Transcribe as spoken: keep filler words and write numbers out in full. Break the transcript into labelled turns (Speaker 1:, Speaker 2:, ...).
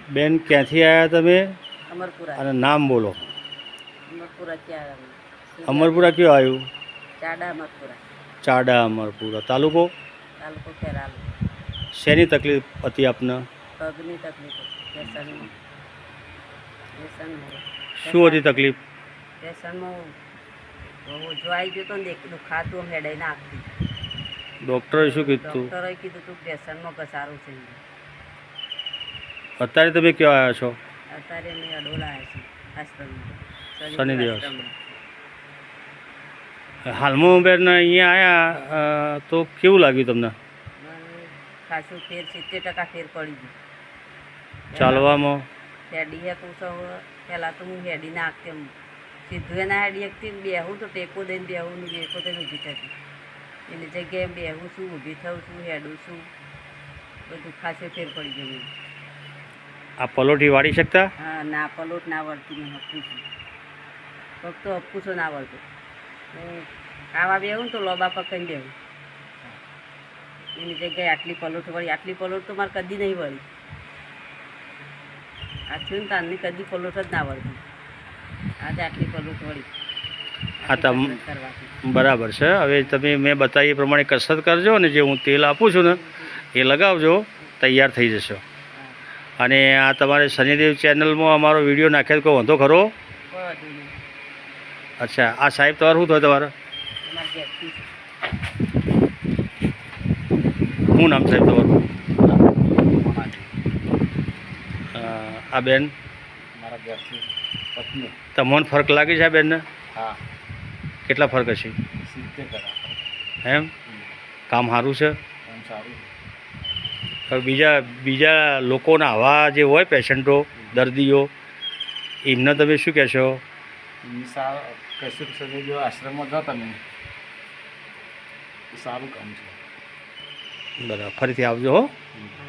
Speaker 1: બેન ક્યાંથી આવ્યા તમે
Speaker 2: અમરપુરા
Speaker 1: અને નામ બોલો?
Speaker 2: અમરપુરાથી આવ્યા.
Speaker 1: અમરપુરા કયું આવ્યું?
Speaker 2: ચાડા અમરપુરા,
Speaker 1: ચાડા અમરપુરા. તાલુકો?
Speaker 2: તાલુકો ખેરાલુ.
Speaker 1: શેની તકલીફ હતી આપને?
Speaker 2: પગની તકલીફ હતી. વ્યસનમાં વ્યસનમાં
Speaker 1: શું હતી તકલીફ?
Speaker 2: વ્યસનમાં ઓછો આવી ગયો તો ને એક દુખાતું હેડાઈ નાખતી.
Speaker 1: ડૉક્ટરે શું કીધું?
Speaker 2: ડૉક્ટરે કીધું તું વ્યસનમાં ઘસારું છે.
Speaker 1: અત્યારે તમે ક્યાં આવ્યા છો?
Speaker 2: અત્યારે અમે અડોલા આવ્યા છીએ આશ્રમમાં.
Speaker 1: શનિદેવ આશ્રમ. હાલમાં બેન અહીંયા આવ્યા તો કેવું લાગ્યું તમને?
Speaker 2: મને ખાસું ફેર સિત્તેર ટકા ફેર પડી ગયું.
Speaker 1: ચાલવામાં?
Speaker 2: હેડી હતું સૌ પહેલાં તો હું હેડી નાખતી એમ સીધું એના હેડી એકથી બેહું તો ટેકો દઈને બેહું ને ટેકો દઈને ઊભી થતી. એની જગ્યાએ બેહું છું, ઊભી થઉં છું, હેડું છું, બધું ખાસે ફેર પડી ગયું.
Speaker 1: આ પલોઠી વાળી શકતા?
Speaker 2: હા, ના પલોટ ના વળતી મેં હપું છું. ફક્ત હપું છું ના વળતું. ખાવા બેહું ને તો લોબા પકડીને બેહું. એની જગ્યાએ આટલી પલોટ વળી આટલી પલોટ તો મારે કદી નહીં વળી. આ થયું ને તારની કદી પલોટ જ ના વળતી. આજે આટલી પલોટ વળી.
Speaker 1: હા તમ બરાબર છે. હવે તમે મેં બતાવી એ પ્રમાણે કસરત કરજો અને જે હું તેલ આપું છું ને એ લગાવજો, તૈયાર થઈ જશો. અને આ તમારે શનિદેવ ચેનલમાં અમારો વિડીયો નાખેલ કોઈ વાંધો ખરો? અચ્છા, આ સાહેબ તમારું શું થયું? તમારે શું નામ સાહેબ તમારું? આ બેન
Speaker 3: મારા ઘરથી પત્ની.
Speaker 1: તમને ફરક લાગે છે આ બેનને?
Speaker 3: હા.
Speaker 1: કેટલા ફરક હશે?
Speaker 3: સિત્તેર ટકા.
Speaker 1: એમ? કામ સારું છે?
Speaker 3: કામ સારું.
Speaker 1: હવે બીજા બીજા લોકોના આવા જે હોય પેશન્ટો, દર્દીઓ, એમને તમે શું કહેશો?
Speaker 3: સારું કશું શનિદેવ આશ્રમમાં જાઓ તમે, સારું કામ છે.
Speaker 1: બરાબર, ફરીથી આવજો હો.